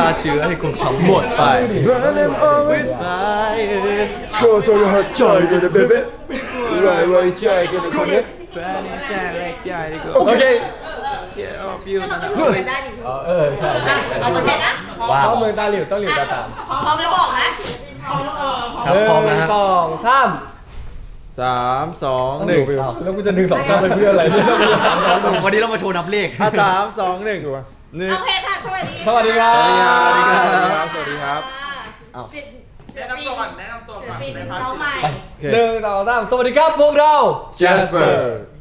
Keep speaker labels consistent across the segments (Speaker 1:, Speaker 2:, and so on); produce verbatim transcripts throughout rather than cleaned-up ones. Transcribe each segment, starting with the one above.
Speaker 1: เชื้อให้คุณทั้งหมดไป
Speaker 2: Burn them all with
Speaker 1: ไฟ
Speaker 2: โชว์โชว์หัดใจกันนะเบเบ้ไรไรใจกันนะคนนี้
Speaker 1: แฟนแจ้งแรกใหญ่ดีกว่า
Speaker 2: โอเค
Speaker 1: เกี่ยวพิว
Speaker 3: ก็เราก็อยู่กันได้ดิ
Speaker 4: เออใช่
Speaker 3: อ่ะเอาโอเคนะ
Speaker 4: ว้าวเมืองตาหลิวต้องหลิวตาตาม
Speaker 3: พร้อมแล้วบอกนะ
Speaker 1: ครับพร้อมนะฮะ
Speaker 4: สองสาม
Speaker 1: สามสองหนึ่ง
Speaker 4: แล้วกูจะหนึ่งสองสามไปเพื่ออะไรเนี่ย
Speaker 1: วันนี้เรามาโชว์นับเลขสามสองหนึ่งหนึ่ง
Speaker 3: โอเคค่ะสวัสดี
Speaker 4: สวัสดีครับ
Speaker 1: สวัสดีครับ สวัสดีครับ
Speaker 3: อ้าวศิล
Speaker 5: แนะนำตัวก่อนแนะนำตัว
Speaker 3: ศิล
Speaker 5: ก่อน
Speaker 3: ปิน
Speaker 5: ในพาร์ท
Speaker 3: น้องใหม่
Speaker 4: หนึ่งสองสามสวัสดีครับพวกเรา
Speaker 1: Jasper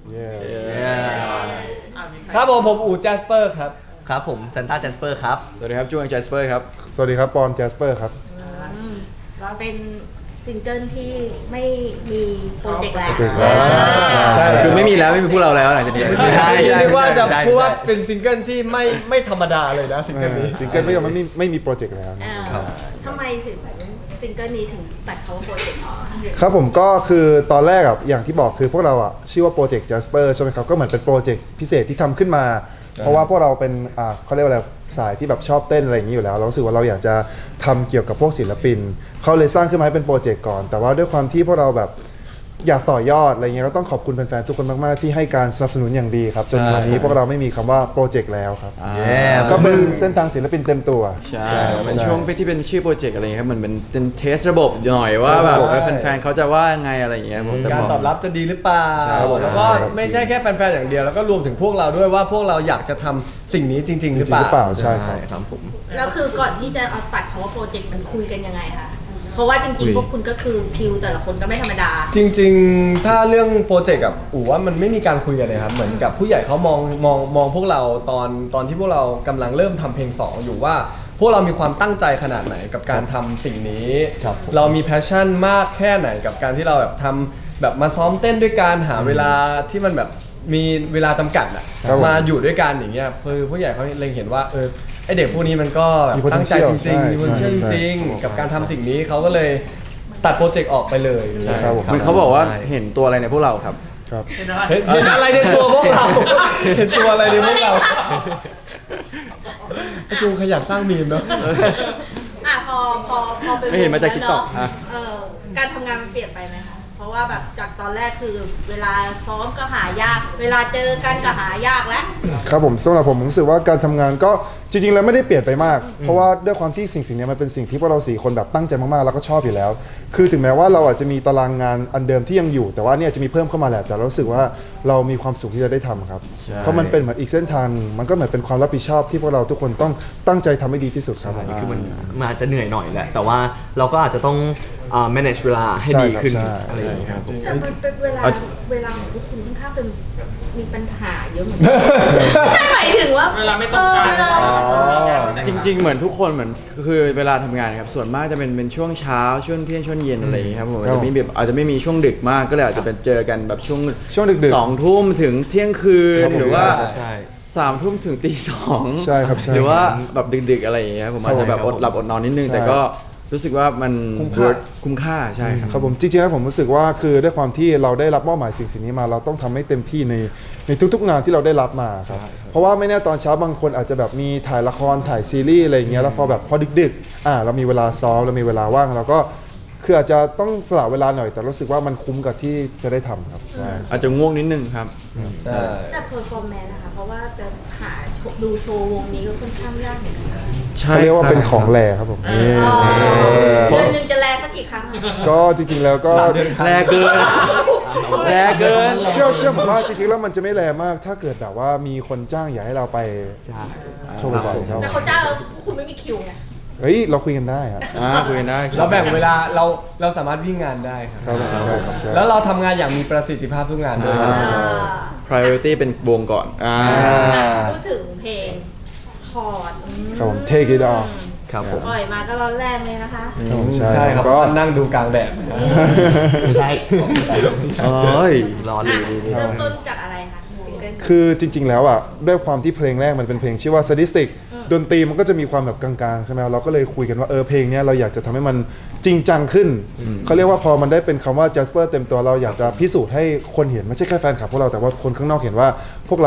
Speaker 4: ครับผมผมอู๋แจสเปอร์ครับ
Speaker 1: ครับผมซันต้าแจสเปอร์ครับ สวัสดีครับจูงแจสเปอร์ครับ
Speaker 2: สวัสดีครับปอนแจสเปอร์ครับ
Speaker 3: เป็นซิงเกิลที่ไม่มีโปรเจกต์แล้ว
Speaker 2: โปรเจกต์แล้วใช่
Speaker 4: ใช่
Speaker 1: คือไม่มีแล้วไม่มีพวกเราแล้วหลังจากนี้
Speaker 4: ใช่นึกว่าจะ
Speaker 1: ใช่
Speaker 4: พูดว่า
Speaker 1: ใช่
Speaker 4: เป็นซิงเกิลที่ไม่ไม่ธรรมดาเลยนะซิงเกิลนี้
Speaker 2: ซิงเกิลไม่ยอมไม่มีไม่มีโปรเจกต์แล้วนะ
Speaker 3: อ่าทำไมถึงซิงเกิลนี้ถึงตัดเขาว่าโปรเจกต์ออก
Speaker 2: ครับผมก็คือตอนแรกอ่ะอย่างที่บอกคือพวกเราอ่ะชื่อว่าโปรเจกต์ Jasper ใช่ไหมครับก็เหมือนเป็นโปรเจกต์พิเศษที่ทำขึ้นมา เพราะว่าพวกเราเป็นอ่าเขาเรียกว่าอะไรสายที่แบบชอบเต้นอะไรอย่างนี้อยู่แล้วเรารู้สึกว่าเราอยากจะทำเกี่ยวกับพวกศิลปินเขาเลยสร้างขึ้นมาให้เป็นโปรเจกต์ก่อน แต่ว่าด้วยความที่พวกเราแบบอยากต่อยอดอะไรเงี้ยก็ต้องขอบคุณแฟนๆทุกคนมากๆที่ให้การสนับสนุนอย่างดีครับจนวันนี้พวกเราไม่มีคำว่าโปรเจกต์แล้วครับ
Speaker 1: เย้
Speaker 2: ก็เป็นเส้นทางศิลปินเต็มตัว
Speaker 6: ใช่เป็นช่วงที่เป็นชื่อโปรเจกต์อะไรเงี้ยครับมันเป็นเป็นเทสระบบหน่อยว่าแบบ
Speaker 2: ใช่
Speaker 6: แฟนๆเขาจะว่ายังไงอะไรอย่างเงี้ยผมแต่
Speaker 4: การ
Speaker 6: พ
Speaker 4: ตอบรับจะดีหรือเปล่า
Speaker 2: ครับผม
Speaker 4: แล้วก็ไม่ใช่แค่แฟนๆอย่างเดียวแล้วก็รวมถึงพวกเราด้วยว่าพวกเราอยากจะทำสิ่งนี้จริง ๆ หรือ
Speaker 2: จริง
Speaker 4: เป
Speaker 2: ห
Speaker 4: ล่า
Speaker 2: รือเปล่าใช่ครับ
Speaker 1: ครับผม
Speaker 3: แล้วคือก่อนที่จะเอาตัดเขาว่าโปรเจกต์มันคุยกันยังไงคะเพราะว่าจริงๆพวกคุณก็คือคิวแต่ละคนก็ไม่ธรรมดา
Speaker 4: จริงๆ ถ้าเรื่องโปรเจกต์กับอู๋ว่ามันไม่มีการคุยกันเลยครับ เหมือนกับผู้ใหญ่เขามองมองมองพวกเราตอนตอนที่พวกเรากำลังเริ่มทำเพลงสองอยู่ว่า พวกเรามีความตั้งใจขนาดไหนกับการทำสิ่งนี้ เรามีแพชชั่นมากแค่ไหนกับการที่เราแบบทำแบบมาซ้อมเต้นด้วยการหาเวลาที่มันแบบมีเวลาจำกัดอะ
Speaker 2: ครับผม
Speaker 4: มาอยู่ด้วยกันอย่างเงี้ยคือผู้ใหญ่เขาเล็งเห็นว่าเออไอเด็กพวกนี้มันก็แบบ
Speaker 2: มี potential
Speaker 4: ตั้งใจจริง
Speaker 2: ใช่
Speaker 4: ๆมี potential จ
Speaker 2: ใช่
Speaker 4: ริงๆกับการทำสิ่งนี้เขาก็เลยตัดโปรเจกต์ออกไปเลย
Speaker 2: ครับผม
Speaker 6: มันเขาบอกว่าเห็นตัวอะไรในพวกเราครับ
Speaker 2: ครับ
Speaker 5: เห็นอะไร
Speaker 4: เห็นเห็นอะไรในตัวพวกเรา เห็นตัวอะไรในพวกเราไอ้จูขยันสร้างมีมเนาะ
Speaker 3: อ่ะพอพอพอเป็น
Speaker 6: ไม่เห็นมาจาก
Speaker 3: แล้ว
Speaker 6: TikTok
Speaker 3: เนอะเออการทำงานมันเปลี่ยนไปไหมคะเพราะว่าแบบจากตอนแรกคือเวลาซ้อมก็หายาก เวลาเจอกันก็หายากแล้ว
Speaker 2: ครับผมสำหรับผมผมรู้สึกว่าการทำงานก็จริงๆแล้วไม่ได้เปลี่ยนไปมาก เพราะว่าด้วยความที่สิ่งสิ่งนี้มันเป็นสิ่งที่พวกเราสี่คนแบบตั้งใจมากๆแล้วก็ชอบอยู่แล้ว คือถึงแม้ว่าเราอาจจะมีตารางงานอันเดิมที่ยังอยู่ แต่ว่าเนี่ยจะมีเพิ่มเข้ามาแหละแต่เรารู้สึกว่าเรามีความสุขที่จะได้ทำครับเพราะมันเป็นเหมือนอีกเส้นทางหนึ่งมันก็เหมือนเป็นความรับผิดชอบที่พวกเราทุกคนต้องตั้งใจทำให้ดีที่สุดครับผม
Speaker 1: คือมันมันอาจจะเหนื่อยหน่อยแหละ แต่ว่าเราก็อาจจะต้องอ่า manage เวลาให้
Speaker 2: ใช่
Speaker 1: ดี
Speaker 2: ครับ
Speaker 1: ขึ้น
Speaker 2: ใช่
Speaker 1: อะไรอย่างเงี้ยครับผม
Speaker 3: แต่มันเป็นเวลาเวลาของพวกคุณค่อนข้างเป็นมีปัญหาเยอะเหมือนกันใช่หมายถึงว่า
Speaker 5: เวลาไม่ตรงกัน
Speaker 3: เออเวลาไม่ตรงกัน
Speaker 6: จริง ๆ เหมือนทุกคนเหมือนคือเวลาทำงานครับส่วนมากจะเป็นเป็นช่วงเช้าช่วงเที่ยงช่วงเย็นอะไรอย่างเงี้ยครับผมอาจจะไม่แบบอาจจะไม่มีช่วงดึกมากก็เลยอาจจะเป็นเจอกันแบบช่วง
Speaker 2: ช่วงดึกๆ
Speaker 6: สองทุ่มถึงเที่ยงคืน
Speaker 2: ครับผม
Speaker 6: หรือว่า
Speaker 1: ใช่ใช่
Speaker 6: สามทุ่มถึงตีสอง
Speaker 2: ใช่ครับใช่
Speaker 6: หรือว่าแบบดึกๆอะไรอย่างเงี้ยผมอาจจะแบบอดหลับอดนอนนิดนึง
Speaker 2: ใช่
Speaker 6: แต่ก็รู้สึกว่ามัน
Speaker 4: คุ้มค่า
Speaker 6: worth คุ้มค่าใช่ครับ
Speaker 2: ครับผมจริงๆแล้วผมรู้สึกว่าคือด้วยความที่เราได้รับมอบหมายสิ่งสิ่งนี้มาเราต้องทำให้เต็มที่ในในทุกๆงานที่เราได้รับมาครับเพราะว่าไม่แน่ตอนเช้าบางคนอาจจะแบบมีถ่ายละครถ่ายซีรีส์อะไรอย่างเงี้ยแล้วพอแบบพอดึกๆอ่าเรามีเวลาซ้อมเรามีเวลาว่างเราก็คืออาจจะต้องสละเวลาหน่อยแต่รู้สึกว่ามันคุ้มกับที่จะได้ทำครับใช่
Speaker 6: อาจจะง่วงนิดนึงครับ
Speaker 4: ใช่
Speaker 3: แต่เพอร์ฟอร์แมนซ์นะคะเพราะว่าจะหาดูโชว์วงนี้ก็ค่อนข้างยากเหมือนกันนะ
Speaker 2: เขาเรียกว่าเป็นของแรครับผมนี่
Speaker 3: อ๋อเดือนหนึ่งจะแลสักกี่ครั้งอะ
Speaker 2: ก็จริงๆแล้วก็
Speaker 6: แรงเกิน แรงเกิน
Speaker 2: เชื่อเชื่อผมว่าจริงๆแล้วมันจะไม่แรงมากถ้าเกิดแบบว่ามีคนจ้างอยากให้เราไปโชว์บ่อยๆครับ
Speaker 3: แต่เขาจ้างแล้วคุณไม่มีคิวไง
Speaker 2: เฮ้ยเราคุยกันได้ครับ
Speaker 6: อ่าคุยกันได้
Speaker 4: เราแบ่งเวลาเราเราสามารถวิ่งงานได้ครับ
Speaker 2: ครับผมใช่ครับใช่
Speaker 4: แล้วเราทำงานอย่างมีประสิทธิภาพทุกงานด้วย
Speaker 6: ใช่ priority เป็นวงก่อนอ่า
Speaker 3: พูดถึงเพลงถอดอืม
Speaker 2: ครับผม take it off
Speaker 1: ครับผม
Speaker 3: ปล่อยมาก็ร้อนแรงเลยนะคะ
Speaker 2: ครับผมใช่
Speaker 4: ใช่ครับ
Speaker 2: ก็
Speaker 4: นั่งดูกลางแดด
Speaker 1: ไม่ใช่
Speaker 6: เอ้ย
Speaker 1: รอเล
Speaker 3: อ่ะ
Speaker 1: ย
Speaker 3: เริ่มต้นจากอะไรคะซิงเกิล
Speaker 2: คือจริง ๆ แล้วอ่ะด้วยความที่เพลงแรกมันเป็นเพลงชื่อว่า sadistic ดนตรีมันก็จะมีความแบบกลางๆใช่ไหมเราก็เลยคุยกันว่าเออเพลงเนี้ยเราอยากจะทำให้มันจริงจังขึ้นเขาเรียกว่าพอมันได้เป็นคำว่า Jasper เต็มตัวเราอยากจะพิสูจน์ให้คนเห็นไม่ใช่แค่แฟนคลับพวกเราแต่ว่าคนข้างนอกเห็นว่าพวกเราอ่ะ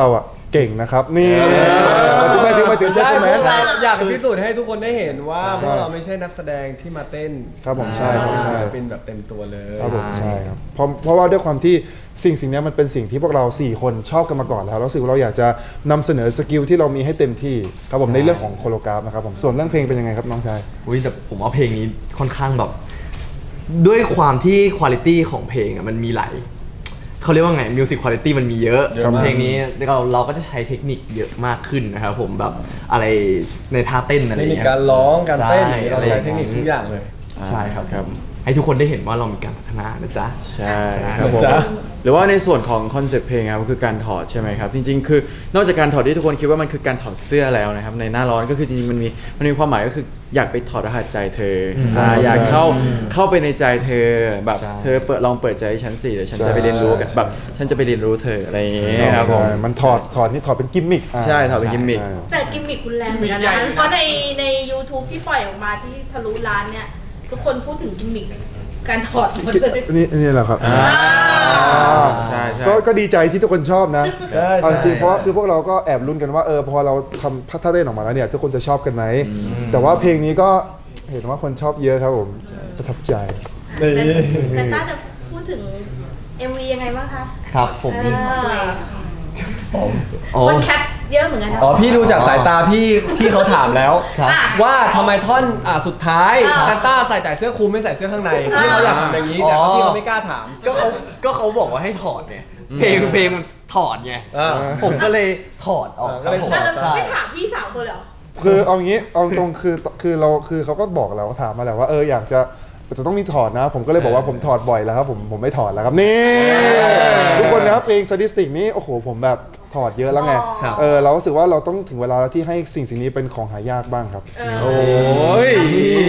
Speaker 2: เก่งนะครับนี่ถึงไปถึงไปถึง
Speaker 4: ได้
Speaker 2: ใช่ไหม
Speaker 4: พวกเราอยากพิสูจน์ให้ทุกคนได้เห็นว่า
Speaker 2: ใช่
Speaker 4: พวกเราไม่ใช่นักแสดงที่มาเต้น
Speaker 2: ครับผมใช่ครับใช่
Speaker 4: เป็นแบบเต็มตัวเลย
Speaker 2: ครับผมใช่ครับเพราะเพราะว่าด้วยความที่สิ่งสิ่งนี้มันเป็นสิ่งที่พวกเราสี่คนชอบกันมาก่อนแล้วแล้วรู้สึกว่าเราอยากจะนำเสนอสกิลที่เรามีให้เต็มที่ครับผมในเรื่องของโคโรกราฟนะครับผมส่วนเรื่องเพลงเป็นยังไงครับน้องชาย
Speaker 1: อุ้ยแต่ผมว่าเพลงนี้ค่อนข้างแบบ ด้วยความที่คุณภาพของเพลงอ่ะมันมีหลายเขาเรียกว่าไงมิวสิกคุณภาพมันมีเยอะ
Speaker 4: เยอะมาก
Speaker 1: เพลงนี้เราเราก็จะใช้เทคนิคเยอะมากขึ้นนะครับผมแบบอะไรในท่าเต้นอะไร
Speaker 4: เท
Speaker 1: อ
Speaker 4: ค
Speaker 1: ย่าง
Speaker 4: นิค
Speaker 1: เงี้ย
Speaker 4: การร้องการเต้น
Speaker 1: ใช่
Speaker 4: เราใช้เทคนิคทุกอย่างเลย
Speaker 1: ใช่ครับ
Speaker 6: ครับ
Speaker 1: ให้ทุกคนได้เห็นว่าเรามีการพัฒนานะจ๊ะ
Speaker 6: ใช่
Speaker 1: ใช่
Speaker 6: ครับผม
Speaker 4: จ้ะ
Speaker 6: หรือว่าในส่วนของคอนเซ็ปต์เพลงครับก็คือการถอดใช่ไหมครับจริงๆ คือนอกจากการถอดที่ทุกคนคิดว่ามันคือการถอดเสื้อแล้วนะครับในหน้าร้อนก็คือจริงๆมันมีมันมีความหมายก็คืออยากไปถอดรหัสใจเธออ
Speaker 2: ใช่
Speaker 6: อ่าอยากเข้าเข้าไปในใจเธอแบบ
Speaker 1: ใช่
Speaker 6: เธอเปิดลองเปิดใจให้ฉันสิเดี๋ยวฉัน
Speaker 2: ใช่
Speaker 6: จะไปเรียนรู้กับ
Speaker 2: ใช่
Speaker 6: แบบฉันจะไปเรียนรู้เธออะไรอย่างเงี้ยครับผม
Speaker 2: ใช่มันถอดถอดนี่ถอดเป็นกิมมิคอ่า
Speaker 6: ใช่ถอดเป็นกิมมิค
Speaker 2: ใช่
Speaker 3: แต่กิมมิคคุณแรงเหมือนกันนะเพราะในใน YouTube ที่ปล่อยออกมาที่ทะลุล้านเนี่ย ทุกคนพูดถึงกิมมิคการถอดหมดเลย
Speaker 2: นี่นี่แหละครับ
Speaker 6: อ่า
Speaker 3: อ่า
Speaker 6: ใช่ใช่
Speaker 2: ก็ก็ดีใจที่ทุกคนชอบนะ
Speaker 4: ใช่
Speaker 2: เอาจริง
Speaker 4: ใช่
Speaker 2: ๆเพราะว่าคือพวกเราก็แอบลุ้นกันว่าเออพอเราทำท่าเต้นออกมาแล้วเนี่ยทุกคนจะชอบกันไหมแต่ว่าเพลงนี้ก็เห็นว่าคนชอบเยอะครับผมประทับใจ
Speaker 4: นี่
Speaker 3: แต่ต้าจะพูดถึง เอ็ม วี ยังไงบ้างคะ
Speaker 1: ครับผม
Speaker 3: เออ
Speaker 1: โอ้
Speaker 3: คนแคปเยอะเหมือนกันนะ
Speaker 4: อ๋อพี่ดูจากสายตาพี่ที่เขาถามแล้ว
Speaker 1: ครับ
Speaker 4: ว่าทำไมท่อนอ่าสุดท้าย
Speaker 3: อ่า
Speaker 4: ซานต้าใส่แต่เสื้อคลุมไม่ใส่เสื้อข้างในพี่เขาอยากทำอย่างนี้แต่เขาพี่เขาไม่กล้าถาม
Speaker 1: ก็เขาก็เขาบอกว่าให้ถอดเนี่ยเพลงเพลงมันถอดไง
Speaker 4: อ่า
Speaker 1: ผมก็เลยถอดออก
Speaker 4: อ่า
Speaker 1: ครับ
Speaker 4: ก็เลย
Speaker 1: ผม
Speaker 4: ถอด
Speaker 3: แล้ว
Speaker 1: ใช่
Speaker 3: ไม่ถามพี่สาวคนเลยเหรอ
Speaker 2: คือเอางี้เอาตรงคือคือเราคือเขาก็บอกเราถามมาแหละว่าเอออยากจะจะต้องมีถอดนะ ผมก็เลยบอกว่าผมถอดบ่อยแล้วครับผมผมไม่ถอดแล้วครับนี่ทุกคนนะครับเพลงสถิตินี้โอ้โหผมแบบถอดเยอะแล้วไง
Speaker 1: ครับ
Speaker 2: เออเรารู้สึกว่าเราต้องถึงเวลาแล้วที่ให้สิ่งสิ่งนี้เป็นของหายากบ้างครับ
Speaker 3: เออ
Speaker 6: โอ้ย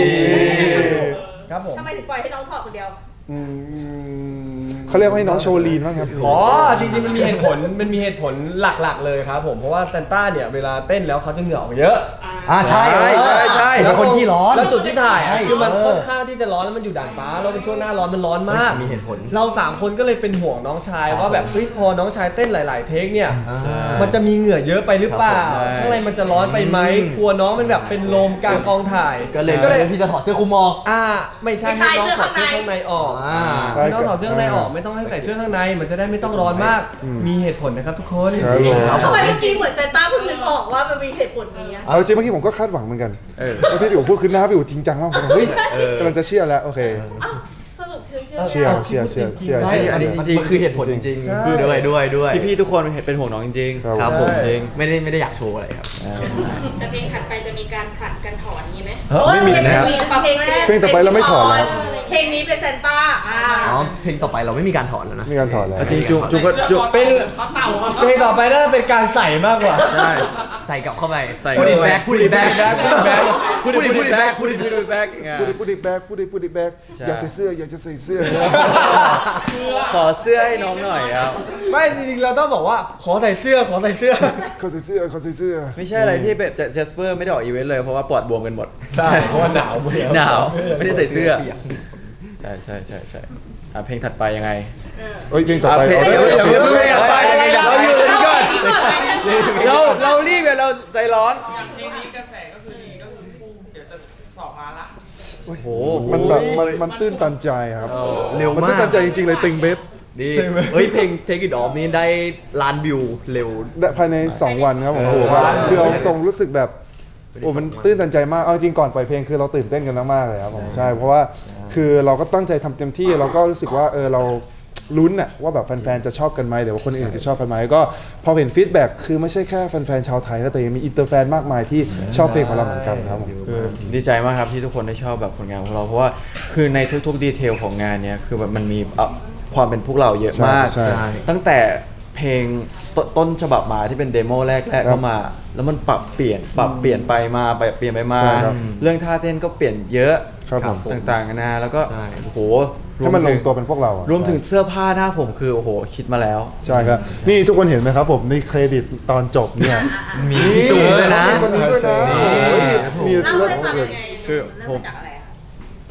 Speaker 4: ครับผม
Speaker 3: ทำไมถึงปล่อยให้น้องถอดคนเดียว
Speaker 4: อืม
Speaker 2: เขาเรียกว่าให้น้องโชว์ลีนบ้างครับ
Speaker 4: อ๋อจริงๆมันมีเหตุผลมันมีเหตุผลหลักๆเลยครับผมเพราะว่าซานต้าเนี่ยเวลาเต้นแล้วเขาจะเหงื่อออกเยอะ
Speaker 1: อ่าใช่
Speaker 6: ใช่ใช่ใช่
Speaker 1: เป็นคนขี้ร้อน
Speaker 4: แล้วจุดที่ถ่ายอะ
Speaker 1: ใช่
Speaker 4: คือมัน
Speaker 1: เออ
Speaker 4: ค่อนข้างที่จะร้อนแล้วมันอยู่ด่านฟ้าแล้วเป็นช่วงหน้าร้อนมันร้อนมาก
Speaker 1: มีเหตุผล
Speaker 4: เราสามคนก็เลยเป็นห่วงน้องชายว่าแบบเฮ้ยพอน้องชายเต้นหลาย ๆ เทคเนี่ย
Speaker 1: อ่า
Speaker 4: มันจะมีเหงื่อเยอะไปหรือเปล่า
Speaker 6: ครับผม
Speaker 4: ข้างในมันจะร้อนไปไหม
Speaker 1: อืม
Speaker 4: กลัวน้องมันแบบเป็นลมกลางกองถ่าย
Speaker 1: ก็เลย
Speaker 4: ก็เลย
Speaker 1: พี่จะถอดเสื้อคลุมออก
Speaker 4: อ่าไม่ใช่
Speaker 3: ไม่
Speaker 4: ให้
Speaker 3: ใช่
Speaker 4: น้องถอด
Speaker 3: เสื้
Speaker 4: เสื้อ
Speaker 3: อ
Speaker 4: ข้า
Speaker 3: ข้าง ง
Speaker 4: ใน
Speaker 3: ใน
Speaker 4: ออก
Speaker 1: อ่า
Speaker 4: ให้น้องถอดเสื้อข้างในออกไม่ต้องให้ใส่เสื้อข้างในมันจะได้ไม่ต้องร้อนมาก มีเหตุผลนะครับทุกคน
Speaker 2: ครับผม
Speaker 1: ครับผ
Speaker 3: ทำ
Speaker 1: ม
Speaker 3: ไมเมื่อกี้เหมือนเซนต้าเพิ่งนึกออกว่ามันมีเหตุผลนี้อะ
Speaker 2: เอาจริงเมื่อกี้ผมก็คาดหวังเหมือนกัน
Speaker 6: เออ
Speaker 2: ว่าที่พี่อู๋พูดคือหน้าพี่อู๋จริงจังมากผมเฮ้ยกำลังจะเชื่อแล้วโอเค
Speaker 3: อ้าวสรุปคือเชื่อ
Speaker 2: เชื่อเชื่อเชื่อเชื่อ
Speaker 1: ใช่
Speaker 2: เชื่อ
Speaker 1: อันนี้
Speaker 2: เชื่อ
Speaker 1: จริงๆคือเหตุผลจริง
Speaker 4: ใช่
Speaker 1: ๆคือด้วยด้วยด้วย
Speaker 6: พี่ๆทุกคนเป็นห่วงน้องจริงๆ
Speaker 2: ครับ
Speaker 1: ครับผม
Speaker 6: จริง
Speaker 1: ไม่ได้ไม่ได้อยากโชว์อะไรครับ
Speaker 5: แต่เพลงถัดไปจะมีการผลัดกันถอนนี้ไหม
Speaker 2: ไม่มีนะครับ
Speaker 3: เพลงแรก
Speaker 2: เพลงต่อไปเราไม่ถอดแล้ว
Speaker 3: เพลงนี้เป็นเซนต้าอ่า
Speaker 1: อ๋อเพลงต่อไปเราไม่มีการถอดแล้วนะ
Speaker 2: มีการถอดแล้ว
Speaker 6: จริงๆจุงจุงก็จุง
Speaker 4: เป็นเพลงต่อไปน่าจะเป็นการใส่มากกว่า
Speaker 6: ใช่
Speaker 1: ใส่กลับเข้าไป
Speaker 6: ใส่
Speaker 1: พูดอินแบ็กพูดอินแบ็ก
Speaker 6: พูดดิพูดดิแบ็คพูดดิพูดดิแบ็ค
Speaker 2: พูดดิพูดดิแบกพูดดิพูดดิแบก
Speaker 6: ใช่
Speaker 2: อยากใส่เสื้ออยากจะใส่เสื้อ
Speaker 6: ขอเสื้อให้น้องหน่อยครับ
Speaker 4: ไม่จริงๆเราต้องบอกว่าขอใส่เสื้อขอใส่เสื้อ
Speaker 2: เขาใส่เสื้อเขาใส่เสื้อ
Speaker 6: ไม่ใช่อะไรที่แบบเจสเปอร์ไม่ได้ออกอีเวนต์เลยเพราะว่าปอดบวมกันหมด
Speaker 4: ใช่เพราะว่าหนาวหมดแล้ว
Speaker 6: หนาวไม่ได้ใส่เสื้อใช่ใช่ใช่ใช่อ่ะเพลงถัดไปยังไง
Speaker 2: เอ้ยเพลงต่อไป
Speaker 6: เพลง
Speaker 2: เอา
Speaker 6: เดี๋ยว
Speaker 2: เดี๋ยว
Speaker 6: เดี๋ยว
Speaker 2: เดี๋ยว
Speaker 6: เดี๋ยว
Speaker 4: ไปอะไรนะ
Speaker 6: เราอยู่กันก่อน
Speaker 3: นี่ก่อนไปนะ
Speaker 6: เราเรารีบเนี่ยเราใจร้อน
Speaker 7: เพลงนี้กระแสก็คือดีก็คือพุ่งเดี๋ยวจะสองล้านละ
Speaker 6: โอ้โห
Speaker 2: มันแบบมันมันตื้นตันใจครับ
Speaker 1: เร็ว
Speaker 2: มัน
Speaker 1: มา
Speaker 2: ตื้น
Speaker 1: ก
Speaker 2: ตันใจจริงๆเลยติงเบฟ
Speaker 1: ดีเฮ้ยเพลง Take It Off นี่ได้ล้านวิวเร็ว
Speaker 2: ภายในสองวันครับผมโอ้โหแบบคือเอาตรงรู้สึกแบบโอ้มันตื้นตันใจมากเอาจริงก่อนปล่อยเพลงคือเราตื่นเต้นกันมากๆเลยครับผมใช่เพราะว่าคือเราก็ตั้งใจทำเต็มที่เราก็รู้สึกว่าเออเราลุ้นอะว่าแบบแฟนๆจะชอบกันไหมหรือว่าคนอื่นจะชอบกันไหมก็พอเห็นฟีดแบ็กคือไม่ใช่แค่แฟนๆชาวไทยนะแต่ยังมีอินเตอร์แฟนมากมายที่ชอบเพลงของเราเหมือนกันครับผม
Speaker 6: คือดีใจมากครับที่ทุกคนได้ชอบแบบผลงานของเราเพราะว่าคือในทุกๆดีเทลของงานเนี้ยคือแบบมันมีเอ่อความเป็นพวกเราเยอะมาก
Speaker 2: ใช่ใช่
Speaker 6: ตั้งแต่เพลงตต้นฉบับมาที่เป็นเดโมแรกๆ
Speaker 2: ครั
Speaker 6: เข้า
Speaker 2: บ
Speaker 6: มา แล้วมันปรับเปลี่ยนปรับเปลี่ยนไปมาไปเปลี่ยนไปมา
Speaker 2: ใช่ครับ
Speaker 6: เรื่องท่าเต้นก็เปลี่ยนเยอะ
Speaker 2: ครับผม
Speaker 6: ต่างๆกันานาแล้วก็
Speaker 1: ใช่
Speaker 6: โอ้โหร
Speaker 2: ให้
Speaker 6: วม
Speaker 2: มันล
Speaker 6: ถึ
Speaker 2: ง
Speaker 6: ง
Speaker 2: ตัวเป็นพวกเราอะ
Speaker 6: รวมถึงเสื้อผ้าหน้าผมคือโอ้โหคิดมาแล้ว
Speaker 2: ใช่ครับนี่ทุกคนเห็นไหมครับผมในเครดิตตอนจบเนี่ย
Speaker 1: มีพี่จูนด้วยนะ
Speaker 2: มีคนนี้ด้วยนะโอ้โหมี
Speaker 3: เล่า
Speaker 2: เรื่อง
Speaker 3: ให้ฟัง
Speaker 2: เกิ
Speaker 3: ยั
Speaker 2: ด
Speaker 3: งไง
Speaker 6: คือ
Speaker 3: เริ่
Speaker 6: ผม
Speaker 3: มจากอะไรอะ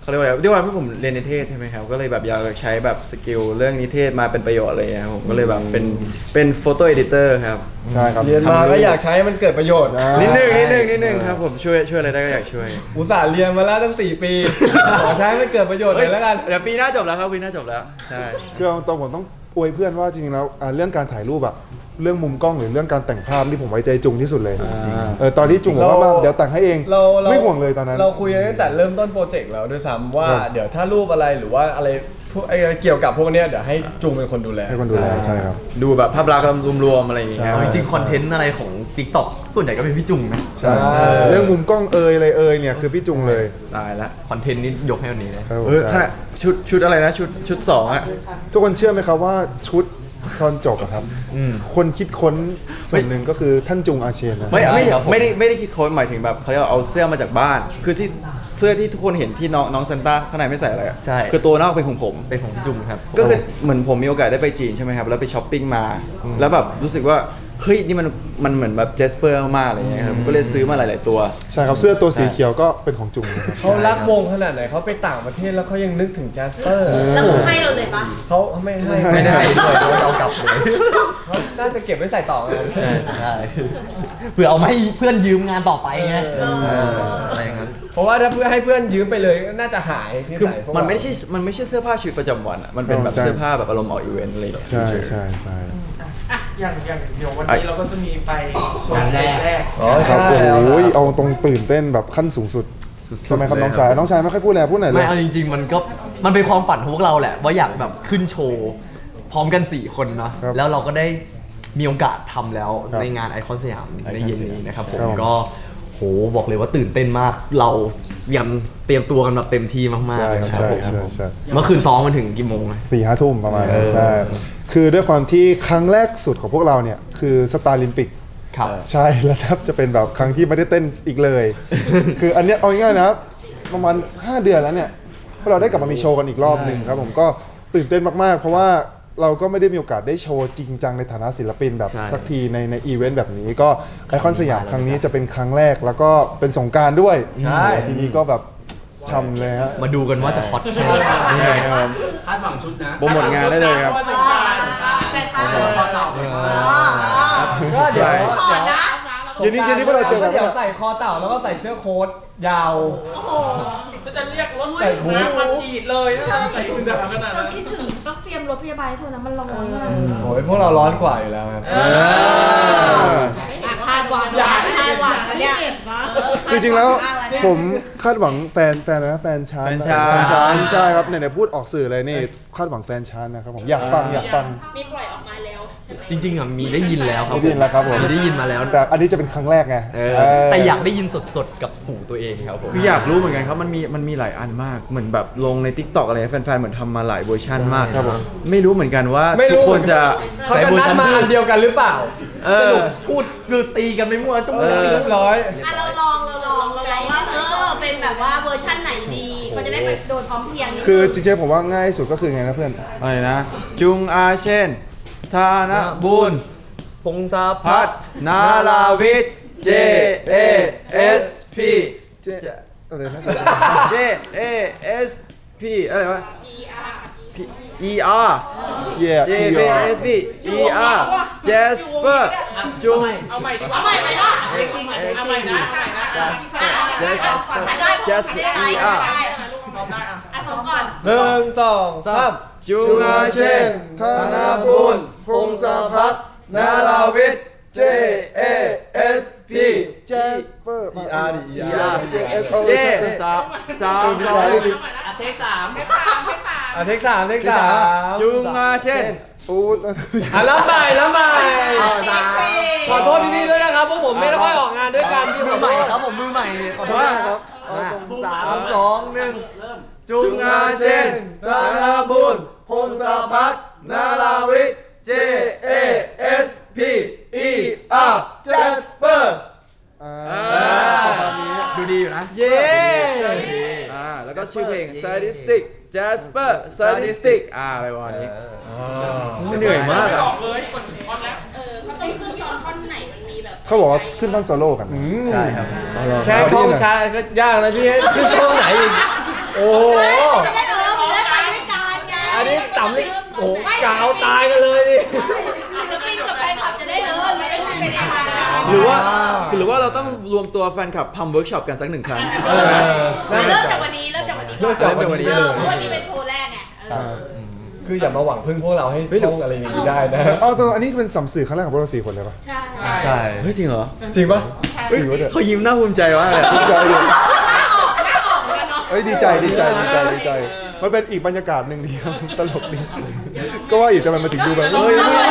Speaker 6: เขาเรียกว่าอะไรด้วยความที่ผมเรียนนิเทศใช่ไหมครับก็เลยแบบอยากใช้แบบสกิลเรื่องนิเทศมาเป็นประโยชน์อะไรอย่างเงี้ยครับผมก็เลยแบบเป็นเป็นโฟโต้เอดิเตอร์ครับ
Speaker 2: ใช่ครับ
Speaker 4: เรียนมาก็อยากใช้ให้มันเกิดประโยชน์
Speaker 6: นิดนึงนิดนึงนิดนึงครับผมช่วยช่วยอะไรได้ก็อยากช่วย
Speaker 4: อุตส่าห์เรียนมาแล้วตั้งสี่ปี ขอใช้ให้มันเกิดประโยชน์หน่อยแล้วกัน
Speaker 6: เดี๋ยวปีหน้าจบแล้วครับปีหน้าจบแล้วใช่
Speaker 2: คือเอาตรงผมต้องอวยเพื่อนว่าจริงๆแล้วอ่าเรื่องการถ่ายรูปอะเรื่องมุมกล้องหรือเรื่องการแต่งภาพที่ผมไว้ใจจุงที่สุดเลยเออตอนที่จุงบอกว่า
Speaker 4: เรา
Speaker 2: มาเดี๋ยวแต่งให้เอง
Speaker 4: เราเรา
Speaker 2: ไม่ห่วงเลยตอนนั้น
Speaker 4: เราคุยกันตั้งแต่เริ่มต้นโปรเจกต์แล้วด้วยซ้ำว่า
Speaker 2: ครับ
Speaker 4: เดี๋ยวถ้ารูปอะไรหรือว่าอะไรพวกไอ้เกี่ยวกับพวกเนี้ยเดี๋ยวให้จูงเป็นคนดูแล
Speaker 2: ให้คนดูแลใช่ครับ
Speaker 6: ดูแบบภาพลักษณ์รวมๆอะไรอย่างเงี้ย
Speaker 1: เอาจริงๆคอนเทนต์อะไรของ TikTok ส่วนใหญ่ก็เป็นพี่จุงนะ
Speaker 2: ใช่เรื่องมุมกล้องเอยอะไรเอยเนี่ยคือพี่จุงเลย
Speaker 6: ตายละ
Speaker 1: คอนเทนต์นี้ยกให้วันนี้เลย
Speaker 2: ครับผม
Speaker 6: เออข
Speaker 2: ใช่
Speaker 6: นาดชุดชุดอะไรนะชุดชุดสองอะ
Speaker 2: ทุกคนเชื่อไหมครับว่าชุดตอนจบอะครับคนคิดค้นส่วนหนึ่งก็คือท่านจุงอาเชนนะ
Speaker 6: ไม่ไม่
Speaker 1: ใช่ครับผม
Speaker 6: ไม่ได้ไม่ได้คิดค้นหมายถึงแบบเขาเรียกว่าเอาเสื้อมาจากบ้าน คือที่เสื้อที่ทุกคนเห็นที่น้องน้องซันต้าข้างในไม่ใส่อะไรอะ
Speaker 1: ใช่
Speaker 6: คือตัวนอกเป็นของผม
Speaker 1: เป็นของพี่จุงครับ
Speaker 6: ก็คือเหมือนผมมีโอกาสได้ไปจีนใช่ไหมครับแล้วไปช้อปปิ้งมา แล้วแบบรู้สึกว่าเฮ้ยนี่มันมันเหมือนแบบเจสเปอร์มากๆอะไรเงี้ยครับก็เลยซื้อมาหลาย ๆ ตัว
Speaker 2: ใช่ครับเสื้อตัวสีเขียวก็เป็นของจุงนะครับ
Speaker 4: เขารักวงขนาดไหนเขาไปต่างประเทศแล้วเขายังนึกถึงแจสเปอร์
Speaker 3: แล้วเขาให้เราเลยปะ
Speaker 4: เขาไม่ให้
Speaker 1: ไม่ได้ด้วยเขาเอากลับเลย
Speaker 4: เขาน่าจะเก็บไว้ใส่ต่อไง
Speaker 1: ใช่เพื่อเอามาให้เพื่อนยืมงานต่อไปไง
Speaker 4: เออ
Speaker 1: เอออะไรอย่างนั้น
Speaker 4: เพราะว่าถ้าเพื่อให้เพื่อนยืมไปเลยน่าจะหายที่
Speaker 6: คือ
Speaker 4: ใส่พวก
Speaker 6: มันไม่
Speaker 4: เรา
Speaker 6: ใช่มันไม่ใช่เสื้อผ้าชีวิตประจำวันอะมันเป็นแบบ
Speaker 2: ใช่
Speaker 6: เสื้อผ้าแบบอารมณ์ออกอีเวนต์อะไรอย่างเงี้ย
Speaker 2: ใช่ใช่ใช่
Speaker 7: อ่ะอย่างอย่างเดี๋ยววันนี้เราก็จะมีไปโชว์แรกแรก
Speaker 4: อ๋อ
Speaker 2: ครับ
Speaker 4: ใช่
Speaker 2: โอ้ยเอาตรงตื่นเต้นแบบขั้นสูงสุดทำไมครับน้องชายน้องชายไม่ค่อยพูดอะไรพูดหน่อยเล
Speaker 1: ไม่
Speaker 2: ย
Speaker 1: เอาจริง ๆ มันก็มันเป็นความฝันของพวกเราแหละ ว่าอยากแบบขึ้นโชว์ พร้อมกัน สี่ คนเนาะ
Speaker 2: ครับ
Speaker 1: แล้วเราก็ได้มีโอกาสทำแล้ว
Speaker 2: ครับ
Speaker 1: ในงานไอคอนสยามในเย็นนี้นะครับผม
Speaker 2: ครับผม
Speaker 1: ก็โหบอกเลยว่าตื่นเต้นมาก เรายังเตรียมตัวกันแบบเต็มที่มาก
Speaker 2: ใช่
Speaker 1: ๆเลยครั
Speaker 2: ใช่
Speaker 1: บผม
Speaker 2: ใช่ใช่
Speaker 1: เมื่อคืนซ้อมมาถึงกี่โมงอะ
Speaker 2: สี่ห้าทุ่มประมาณนั้
Speaker 1: เอน อ
Speaker 2: ใช่ คือด้วยความที่ครั้งแรกสุดของพวกเราเนี่ยคือสตาร์ลิมปิก
Speaker 1: ครับ
Speaker 2: ใช่แล้วแทบจะเป็นแบบครั้งที่ไม่ได้เต้นอีกเลย คืออันเนี้ยเอาง่ายๆนะประมาณห้าเดือนแล้วเนี่ยพวกเราได้กลับมามีโชว์กันอีกรอบหนึ่งครับผมก็ตื่นเต้นมากๆ เพราะว่าเราก็ไม่ได้มีโอกาสได้โชว์จริงจังในฐานะศิลปินแบบ
Speaker 1: ใช่
Speaker 2: สักทีในในอีเวนต์แบบนี้ก็ไอคอนสยามครั้งนี้จะเป็นครั้งแรกแล้วก็เป็นสงกรารด้วย
Speaker 4: ใช่
Speaker 2: ทีนี้ก็แบบช่ำเลยฮะ
Speaker 1: มาดูกันว่าจะฮอตแค่ไหน
Speaker 6: นี่ไงครับ
Speaker 7: คาดหวังชุดนะ
Speaker 6: โปรโมทงานได้เลยครับ
Speaker 7: ว่าจะกล้าจะกล้า
Speaker 3: ใส่ตา
Speaker 4: ก็เดี๋ยว
Speaker 3: ขอนะ
Speaker 2: เย็นนี้เย็นนี้พวกเราเจอกัน
Speaker 4: เดี๋ยวใส่คอเต่าแล้วก็ใส่เสื้อโค้ทยาว
Speaker 3: โอ้โห
Speaker 7: ฉันจะเรียกรถ
Speaker 4: ใส่บู๊
Speaker 7: น้ำมาฉีดเลยถ้าใส่ถุงดำขนาด
Speaker 5: เรา
Speaker 7: นั้น
Speaker 5: คิดถึงต้องเตรียมรถพยาบาลให้เธอนะมันร้อนมาก
Speaker 4: โอ้ยพวกเราร้อนกว่าอยู่แล้วครับ
Speaker 3: อ่ะคาดหวังอย่าคาดหวังนะเนี่ย
Speaker 2: จริงๆแล้ว
Speaker 3: คาดหง
Speaker 2: ผมคาดหวังแฟนแฟนอะไรนะแฟนชาน
Speaker 6: แฟนชาน
Speaker 2: แฟนชานใช่ครับไหนๆพูดออกสื่อเลยนี่คาดหวังแฟนชานนะครับผมอยากฟังอยากฟัง
Speaker 5: มีปล่อยออกมาแล้วใช่ไหม
Speaker 1: จริงๆอ่ะมีได้ยินแล้วครับ
Speaker 2: ได้ยินแล้วครับผม
Speaker 1: มีได้ยินมาแล้ว
Speaker 2: แต่อันนี้จะเป็นครั้งแรกไง
Speaker 1: เออ
Speaker 2: เออ
Speaker 1: แต่อยากได้ยินสดๆกับหูตัวเองครับผม
Speaker 6: คืออยากรู้เหมือนกันครับมันมีมันมีหลายอันมากเหมือนแบบลงใน ทิกตอก อะไรแฟนๆเหมือนทำมาหลายเวอร์ชันมาก
Speaker 2: ครับผม
Speaker 6: ไม่รู้เหมือนกันว่า
Speaker 4: ไม่
Speaker 6: ทุ
Speaker 4: รู้
Speaker 6: กคนจะ
Speaker 4: เขาจะนัดมาอันเดียวกันหรือเปล่า
Speaker 6: เอ
Speaker 1: ส
Speaker 6: อ
Speaker 1: รุปพูดคือตีกันไม่มั่วจุ้ง
Speaker 6: เออ
Speaker 4: เรียบร้อย
Speaker 3: อ่ะเราลองเราลองเราลองว่าเออเป็นแบบว่าเวอร์ชั่นไหนดีเขาจะได้ไปโดนพร้อมเพรียงนิดนึง
Speaker 2: คือจริงๆผมว่าง่ายสุดก็คือไงนะเพื่อน
Speaker 6: อะไรนะ จุงอาเช่นธานบุญ
Speaker 1: พงศาพั
Speaker 6: พั
Speaker 1: ฒ
Speaker 6: ฒ
Speaker 1: น์
Speaker 6: นาลาวิทย์ J A S P
Speaker 2: เจ๊อะไรนะ
Speaker 6: J A S P อะไรวะ P E R
Speaker 2: เย่
Speaker 6: J A S P E R Jasper จุง
Speaker 7: เอาใหม่ดีกว่า
Speaker 3: เอาใหม่ไหมล่ะ
Speaker 7: จริงๆเอาใหม่นะเอาใหม่นะ
Speaker 3: Jasper ได้ได้ได้ได้
Speaker 7: ซ้อมได้อ่ะ
Speaker 3: อ่ะสองก่อน
Speaker 4: หนึ่งสองสาม
Speaker 6: จุง
Speaker 2: จุง
Speaker 6: อา
Speaker 2: อา
Speaker 6: เช่
Speaker 2: เช่
Speaker 6: น
Speaker 2: นธนาบุญพงศพัฒน์นาลาวิทย์ J A S P Jasper E R D E R J S
Speaker 6: เจสามสามสอง
Speaker 7: อ่ะเทคสาม
Speaker 4: อ่ะเทคสามเทคสาม
Speaker 6: จุงอาเช่น
Speaker 2: ปูด
Speaker 4: อ่ะแล้วใหม่แล้วใหม่ขอโทษพี่ๆด้วยนะครับพวกผมไม่ได้ค่อยออกงานด้วยกันพี่
Speaker 1: มื
Speaker 4: ข
Speaker 1: อ
Speaker 4: อ
Speaker 1: ให
Speaker 4: โท
Speaker 1: ม่
Speaker 4: ษ
Speaker 1: ครับผมมือใหม่ขอโทษนะครับ
Speaker 2: เอาตรง
Speaker 1: สามสองหนึ่งจุ
Speaker 6: จุ
Speaker 1: ง
Speaker 6: ง
Speaker 1: อา
Speaker 6: อา
Speaker 1: เช่
Speaker 6: เช่
Speaker 1: น
Speaker 6: นธนาบุญพงศพัฒน์นาลาวิทย์ J A S P E R Jasper
Speaker 2: อ่า
Speaker 1: ดูดีอยู่นะ
Speaker 4: เย้
Speaker 6: อ่าแล้วก็ชื่อเพลง Sadistic Jasper Sadistic อ่าอะไรวะนี้เหนื่อยมาก
Speaker 7: อ
Speaker 6: อ่ะ
Speaker 7: อกเลยกดออนแล้ว
Speaker 5: เออเขาต้องขึ้นตอนท่อนไหนมันมีแบบ
Speaker 2: เขาบอกว่าขึ้นต้นโซโล่กัน
Speaker 1: ใช่ครับ
Speaker 4: แค่ท่องช้าก็ยากแล้วพี่ให้ขึ้นท่องไหนอีกโอ้โห
Speaker 3: จะได้เออมันได้ไปด้วยกันไง
Speaker 4: อันนี้ต่ำเลยโอ้โหกาวตายกันเลยดิ
Speaker 3: ศิลปินกับแฟนคลับจะได้เออมันได้ไปในทางกัน
Speaker 1: หรือว่าหรือว่าเราต้องรวมตัวแฟนคลับทำเวิร์กช็อปกันสักหนึ่งครั้ง
Speaker 4: เออน่าสน
Speaker 3: เริ่ม
Speaker 4: ใจ
Speaker 3: จากวันนี้เริ่มจากวันนี้
Speaker 4: เริ่มจากวันนี้
Speaker 3: เอ
Speaker 4: เล
Speaker 3: อย เพราะวันนี้เป็นโชว์แรกไงเออ
Speaker 4: คืออย่ามาหวังพึ่งพวกเราให้ท่องอะไรอย่างนี้ได้นะ
Speaker 2: เอาตัวอันนี้เป็นสัมสื่อครั้งแรกของพวกเราสี่คนเลยปะ
Speaker 5: ใช่
Speaker 1: ใช่
Speaker 6: เฮ้ยจริงเหรอ
Speaker 4: จริงปะ
Speaker 6: เฮ้ยเขายิ้มน่าภูมิใจมากเลย
Speaker 2: ดีใจดิเอ้ยดีใจดีใจดีใจดีใจ มันเป็นอีกบรรยากาศหนึ่งดีครับตลกดีก็ว่าอีกแต่มันมาถึงดูแบบเฮ้ย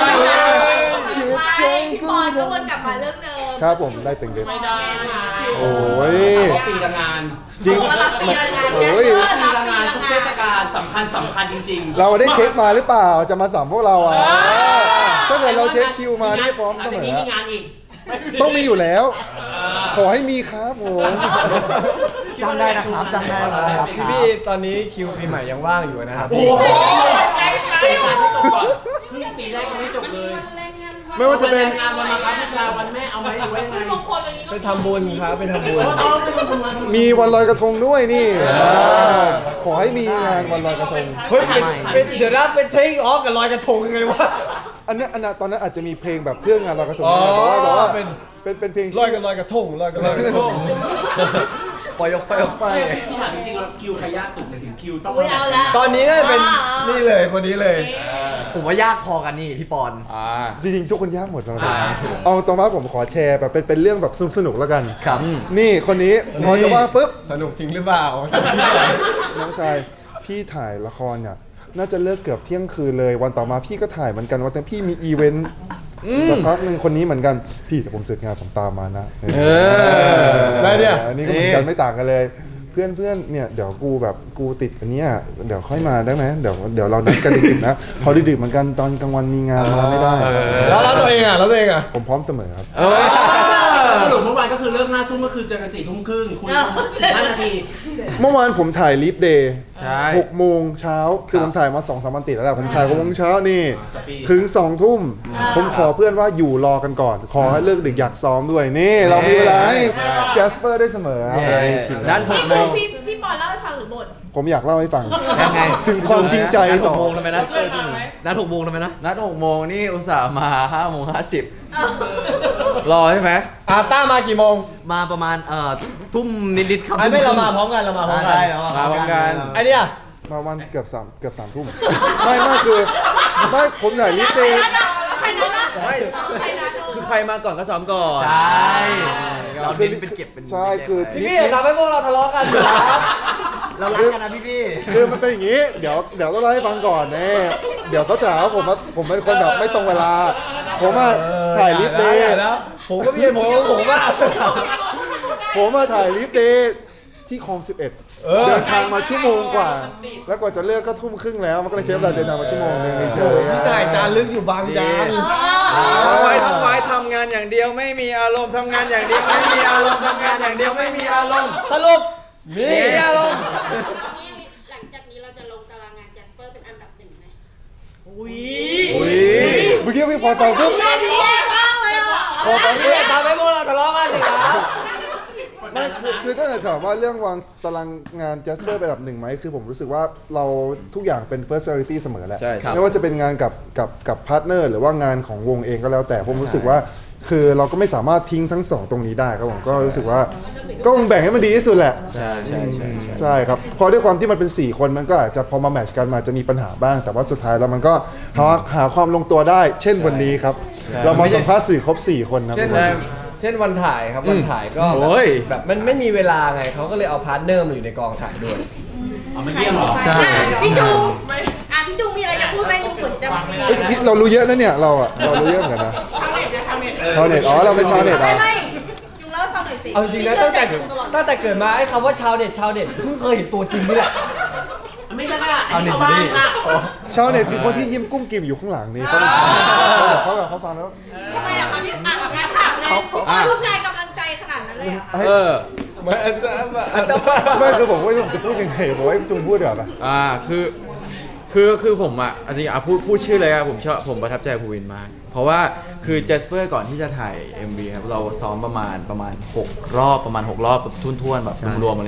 Speaker 3: ไม่พี่ปอนก็วนกลับมาเรื่องเดิม
Speaker 2: ครับผมได้เต็งเด็ด
Speaker 3: ไม่ได้
Speaker 2: โอ้ย
Speaker 7: ปีละงาน
Speaker 2: จริง
Speaker 3: มารับปีละงาน
Speaker 2: โอ้ย
Speaker 7: ปีละงานทุกเทศกาลสำคัญสำคัญจริงๆ
Speaker 2: เราได้เช็คมาหรือเปล่าจะมาสัมพวกเราอ่ะถ้าเกิดเราเช็คคิวมาได้พร้อมเสม
Speaker 7: แต่
Speaker 2: อ
Speaker 7: นี้มีงานอีก
Speaker 2: ต้องมีอยู่แล้ว ขอให้มีครับผม
Speaker 1: จำได้นะครับจำได้นะครับ
Speaker 4: พี่พี่ตอนนี้คิวปีใหม่ยังว่างอยู่นะครับ
Speaker 7: โอ้โหใจไปครึ่งปีแรกยังไม่จบเลย
Speaker 2: ไม่ว่าจะเป็น
Speaker 7: งานวันมาครับผู้ชายวันแม่เอาไหมหรือว่ายังไง
Speaker 4: ไปทำบุญครับไปทำบุญ
Speaker 7: เอาไปทำงาน
Speaker 2: มีวันลอยกระทงด้วยนี่ขอให้มีงานวันลอยกระทง
Speaker 4: เฮ้ยเป็นเป็นเดี๋ยวนะเป็นเทคออฟกับลอยกระทงยังไงวะ
Speaker 2: อันนั้นอันนั้นตอนนั้นอาจจะมีเพลงแบบเพื่องานลอยกระทง
Speaker 4: อ๋อ
Speaker 2: แต่ว่าแต่ว่า
Speaker 4: เป็น
Speaker 2: เป็นเป็นเพลง
Speaker 4: ลอยกับลอยกระทงลอยกับลอยกระทง
Speaker 1: ปล่อยออกไปออกไป
Speaker 7: ที่ถามจริงๆแล้วคิวใครยากสุดในถึงคิวต้อง
Speaker 3: อุ้ยเอาละ
Speaker 4: ตอนนี้น่าจะเป็นนี่เลยคนนี้เลย
Speaker 1: ผมว่ายากพอกันนี่พี่ปอน
Speaker 6: อ่า
Speaker 2: จริงๆทุกคนยากหมดสำหรับผมเอาตรงว่าผมขอแชร์แบบเป็นเป็นเรื่องแบบสนุกๆแล้วกัน
Speaker 1: ครับ
Speaker 2: นี่คนนี้พอจะว่าปุ๊บ
Speaker 4: สนุกจริงหรือเปล่า
Speaker 2: น้องชายพี่ถ่ายละครเนี่ยน่าจะเลิกเกือบเที่ยงคืนเลยวันต่อมาพี่ก็ถ่ายเหมือนกันวันแต่พี่มีอีเวนต์สักพักหนึ่งคนนี้เหมือนกันพี่เดี๋ยวผมเสร็จงานผมตามมานะ
Speaker 6: เออ
Speaker 4: ได้เนี่ย
Speaker 2: อันนี้ก็เหมือนกันไม่ต่างกันเลย เพื่อนเพื่อนเนี่ยเดี๋ยวกูแบบกูติดอันเนี้ยเดี๋ยวค่อยมาได้ไหมเดี๋ยวเดี๋ยวเรานัดกันดึกๆนะเขาดึกๆเหมือนกันตอนกลางวันมีงานมาไม่ได้
Speaker 4: แล้วแล้วตัวเองอ่ะแล้วตัวเองอ่ะ
Speaker 2: ผมพร้อมเสมอครับ
Speaker 7: สรุปเมื่อวานก็คือเลิกห้าทุ่มเมื่อคืนเจอกันสี่ทุ่มครึ่งคุยสิบห้านาที
Speaker 2: เมื่อวานผมถ่ายลิฟเดย์
Speaker 6: ใช่
Speaker 2: หกโมงเช้าคือผมถ่ายมาสองสามวันติดแล้วแหละผมถ่ายหกโมงเช้านี่
Speaker 7: สปีด
Speaker 2: ถึงสองทุ่มผมขอเพื่อนว่าอยู่รอกันก่อน ขอให้เลิกดึกอยากซ้อมด้วยนี่ เรามีเวลาให้แจสเปอร์ได้เสมอครับ
Speaker 1: ด้านหกโมง
Speaker 3: พี่พี่ปอนเล่าให้ฟังหรือบ่น
Speaker 2: ผมอยากเล่าให้ฟัง
Speaker 1: ยังไง
Speaker 2: ถึงความจริงใจ
Speaker 1: นัดห
Speaker 2: ต่อ
Speaker 1: กโมงทำไมนะนัดหกโมงทำไมนะ
Speaker 6: นัดหกโมงนี่อุตส่าห์มาห้าโมงห้าสิบรอใช่ไหม
Speaker 4: อาต้ามากี่โมง
Speaker 1: มาประมาณเอ่อทุ่มนิดๆครับ
Speaker 4: ไอ้ไม่เรามาพร้อมกันเรามาพร้อมกัน
Speaker 1: ได้
Speaker 6: มาพร้อมกัน
Speaker 4: ไอ้เนี่ย
Speaker 2: มาวันเกือบสามเกือบสามทุ่มไม่ไม่คือไม่ผมถ่ายลิฟเดย์
Speaker 3: ใครนั้นนะ
Speaker 6: ไม่
Speaker 3: ใครนั้น
Speaker 6: คือใครมาก่อนก็ซ้อมก่อน
Speaker 1: ใช่เราเน้นเป็นเก็บเป็น
Speaker 2: ใช่คือ
Speaker 4: พี่พี่อย่าทำให้พวกเราทะเลาะกันครับ
Speaker 1: เรารักกันนะพี่พี่
Speaker 2: คือมันเป็นอย่างนี้ เดี๋ยวเดี๋ยวต้องเล่าให้ฟังก่อนเน่เดี๋ยวเขาจะหาว่าผมว่าผมเป็นคนแบบไม่ตรงเวลา ผมมาถ่ายลิฟเดย์
Speaker 4: แล้วผมก็มีเหตุผลของผมว่า
Speaker 2: ผมมาถ่ายลิฟเดย์ที่คลองสิบเอ็ดเดินทางมาชั่วโมงกว่า แล้วกว่าจะเลิกก็ทุ่มครึ่งแล้วมันก็เลยใช้เวลาเดินทางมาชั่วโมงนึงเฉยๆ
Speaker 4: พี่ถ่ายจานลึกอยู่บางยาง
Speaker 6: ทำไมทำไมทำงานอย่างเดียวไม่มีอารมณ์ทำงานอย่างเดียวไม่มีอารมณ์ทำงานอย่างเดียวไม่มีอารมณ์
Speaker 4: สรุปนี่
Speaker 6: มีอารมณ์
Speaker 5: นี่หลังจากนี้เราจะลงตารางงานแจสเปอร์เป็นอันดับหนึ่งไหม
Speaker 1: อุ้ย
Speaker 6: อุ้ย
Speaker 2: เมื่อกี้พี่พอตอนปุ๊บ
Speaker 3: แม่ดีแย่มากเลยอ่ะ
Speaker 2: พอตอน
Speaker 4: พี่อย่าทำให้พวกเราทะเลาะกันสิครับ
Speaker 2: ไม่คือคือถ้าจะถามว่าเรื่องวางตารางงาน Jasper เป็นอันดับหนึ่งไหมคือผมรู้สึกว่าเราทุกอย่างเป็น first priority เสมอแหละ
Speaker 6: ใช่ครับ
Speaker 2: ไม่ว่าจะเป็นงานกับกับกับพาร์ทเนอร์หรือว่างานของวงเองก็แล้วแต่ผมรู้สึกว่า คือเราก็ไม่สามารถทิ้งทั้งสองตรงนี้ได้ครับผมก็รู้สึกว่าก็คงแบ่งให้มันดีที่สุดแหละ
Speaker 6: ใช่ใช่ใช่ใช่
Speaker 2: ใช่ครับพอด้วยความที่มันเป็นสี่คนมันก็อาจจะพอมาแมทช์กันมาจะมีปัญหาบ้าง แต่ว่าสุดท้ายแล้วมันก็หาหาความลงตัวได้ เช่นวันนี้ครับ เรามาสัมภาษณ์สื่อครบสี่คนนะ
Speaker 4: เช่น
Speaker 2: ทุกคน
Speaker 4: เช่นวันถ่ายครับวันถ่ายก็
Speaker 6: โอ้ย
Speaker 4: แบบมันไม่มีเวลาไงเขาก็เลยเอาพาร์ทเนอร์มาอยู่ในกองถ่ายด้วย
Speaker 7: เอามาเยี่ยมเหรอ
Speaker 1: ใช่
Speaker 3: พี่จูอ่ะพี่จูมีอะไรจะพูดไหมดูเหมือนจะมี
Speaker 2: เอ้ยพี่เรารู้เยอะนะเนี่ยเราอะเรารู้เยอะเหมือนกันนะ
Speaker 7: ชาวเน็ตจะชาวเน็ตเออ
Speaker 2: ชาวเน็ตอ๋อเราเป็นชาวเน็ต
Speaker 3: ไม่
Speaker 2: อ่ะ
Speaker 3: ไม่ยุงเล่าให้ฟังหน่อยสิ
Speaker 4: เอาจริงๆนะตั้งแต่ตั้งแต่เกิดมาไอ้คำว่าชาวเน็ตชาวเน็ตเพิ่งเคยเห็นตัวจริงนี่แหละ
Speaker 7: ไม่ใช่ค่ะอันนี้ชาวบ้านค่ะ
Speaker 2: ชาวเน็ตคือคนที่ยิ้มกุ้มกิ่มอยู่ข้างหลังนี่เขาเป็นชาวเน็ตเขาแบบเขาฟังแล้ว
Speaker 3: ทำไมอ่ะมาพี่อ่ะงานถามเลยว่าต้องการกำลังใจขนาดนั้นเลยเหรอ่ะ
Speaker 6: เออ
Speaker 4: มันอาจจะอาจจะ
Speaker 2: ไม่คือผมว่าผมจะพูดยังไงผมให้จุงพูดเดี๋ยวาปะ
Speaker 6: อ่าคือคือคือผมอ่ะจริงๆอ่ะพูดพูดชื่อเลยอ่ะผมชอบผมประทับใจภูวินมาก เพราะว่าคือเจสเปอร์ก่อนที่จะถ่าย เอ็ม วี ครับเราซ้อมประมาณประมาณหกรอบประมาณหกรอบแบบทุ่นๆแบบรวมๆอะไรเงี้ย